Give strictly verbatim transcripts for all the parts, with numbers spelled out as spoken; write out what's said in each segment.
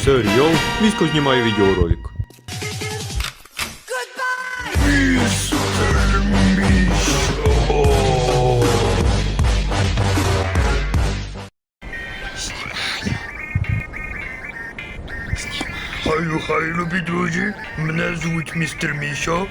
Серіал Місько знімає відеоролик. Хай, хай, любі друзі, мене звуть містер Мішо.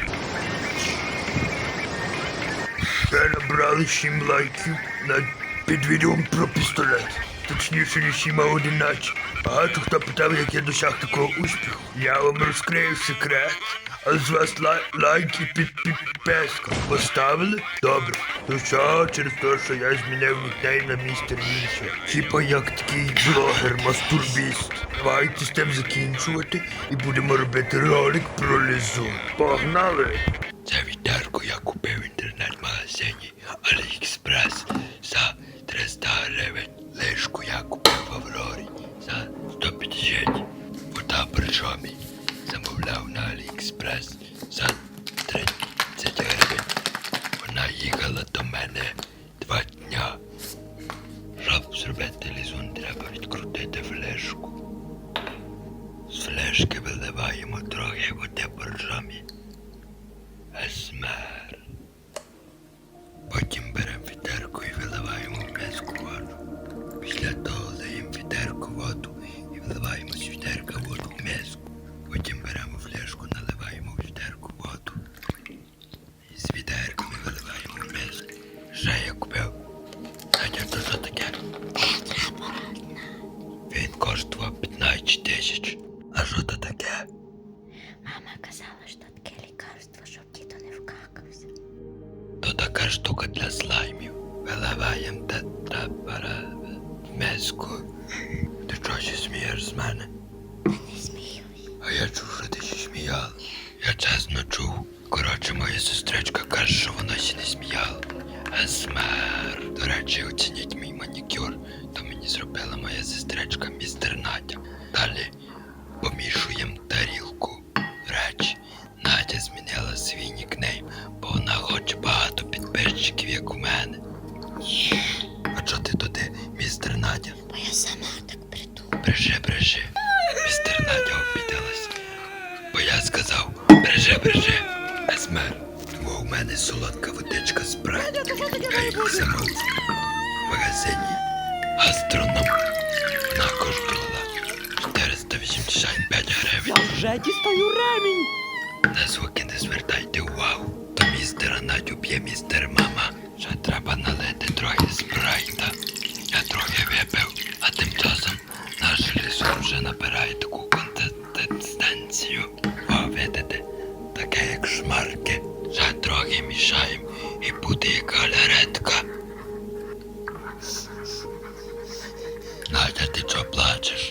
Ви набрали сім лайків над під відео про пістолет. Точніше, не сім, а одинадцять. Багато хто питав, як я досяг такого успіху. Я вам розкрию секрет. А з вас лай лайк і під підписка. Поставили? Добре. То що, через те, що я змінив нікнейм на містер Мішо. Типа як такий блогер-мастурбіст. Давайте з тим закінчувати і будемо робити ролик про лизун. Погнали! Це відерку я купив в інтернет-магазині Аліекспрес за триста гривень. Лишку я купив в Аврорі за сто п'ятдесят. Вода причому замовляв на Аліекспрес за тридцять гривень. Вона їхала до мене два дня. Щоб зробити лизун, треба відкрутити флешку. З флешки виливаємо трохи води боржомі. Есмер. Потім беремо відерку і виливаємо в миску воду. Після того лиємо відерку воду і виливаємо з відерка воду в миску. Потім беремо флешку, наливаємо в відерку воду. І з відерками виливаємо в миску. Ще я купив. Надя, то що таке? Він коштував п'ятнадцять тисяч. А що то таке? Мама казала, що таке лікарство, щоб діто не вкакався. То така штука для слаймів. Виливаємо тетрапара в миску. Ти чого смієш з мене? Не сміюсь. А я чув, що ти ще сміяла. Я чесно чув. Коротше, моя сестричка каже, що вона ще не сміяла. Есмер. До речі, оцініть мій манікюр. То мені зробила моя сестричка містер Надя. Далі помішуємо тарілку. Речі, Надя змінила свій нікнейм, бо вона хоче багато підписчиків, як у мене. А чого ти туди, містер Надя? Бо я сама так придумала. Бреше, бреше. Містер Надя обідалась. Бо я сказав, бреше, бреше. Есмер, тому у мене солодка водичка спрайт. Я їх замовив в магазині Гастроном. Вона коштувала чотириста вісімдесят п'ять гривень. Я вже дістаю ремінь. На звуки не звертайте увагу. То містера Надю б'є містер мама. Ще треба налити трохи спрайта. Я трохи випив, а тим часом наш лізун вже набирає таку консистенцію. О, видите, таке як шмарки. Ще трохи мішаємо і буде як галеретка. Надя, ти чого плачеш?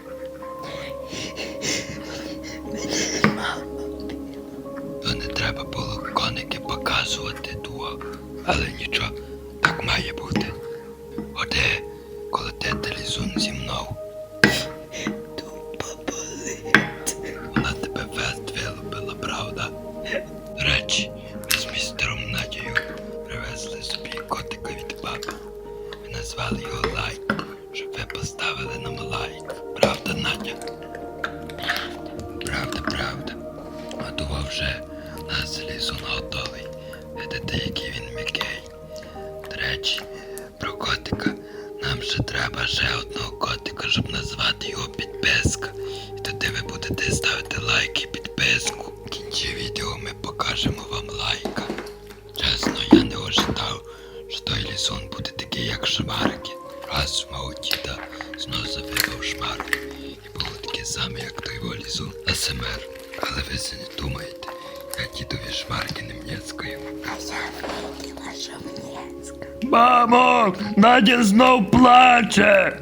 То не треба було коники показувати того. Але нічого, так має бути. Оде, коли ти лізун зі мною. Тупо болить. Вона тебе вест вилупила, правда? До речі, ми з містером Надією привезли собі котика від папи. Ми назвали його Лайк, щоб ви поставили нам лайк. Правда, Надя? Правда, правда. А того вже нас лізун готовий. Видите, який він м'який. До речі, про котика. Нам ще треба ще одного котика, щоб назвати його підписка. І тоді ви будете ставити лайк і підписку. В кінці відео ми покажемо вам лайка. Чесно, я не ожидав, що той лізун буде такий, як шмарки. Раз в мого діда знов завипав шмарки. І було таке саме, як той його лізун А С М Р. Але ви це не думаєте. Я дідові шмарки не м'яцкаю. А я виділа, що Мнєцька. Мамо, Надя знов плаче.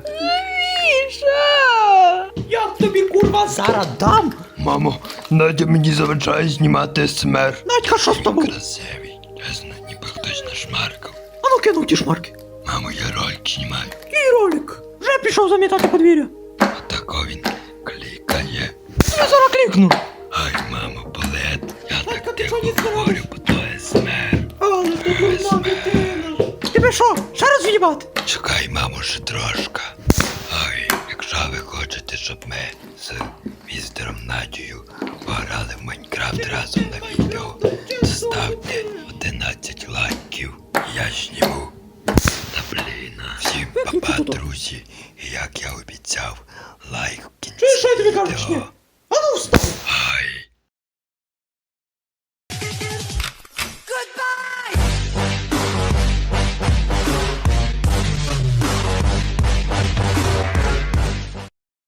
Міша! Як тобі, курва, зараз дам? Мамо, Надя мені заважає знімати С М Р. Надька, що з тобою? Красивий, чесно, ніби хтось нашмаркав. А ну кинув ті шмарки. Мамо, я ролик знімаю. Який ролик? Вже пішов замітати подвір'я. Отако він клікає. Я зараз клікну. Ай, мамо, болить. Я Надька, так ти тихо що, не говорю, бо то С М Р. Але ти дурна дитина. Тебе що, ще раз в'їбати? Чекай, мамо, ще трошка. Ой, якщо ви хочете хочете, щоб ми з містером Надією пограли в Майнкрафт разом на відео, ставте одинадцять лайків. Я зніму. Та блін. Всім па-па, друзі. І як я обіцяв, лайк в кінці Чуєш, що я тобі кажу, чи ні? відео. А ну встань!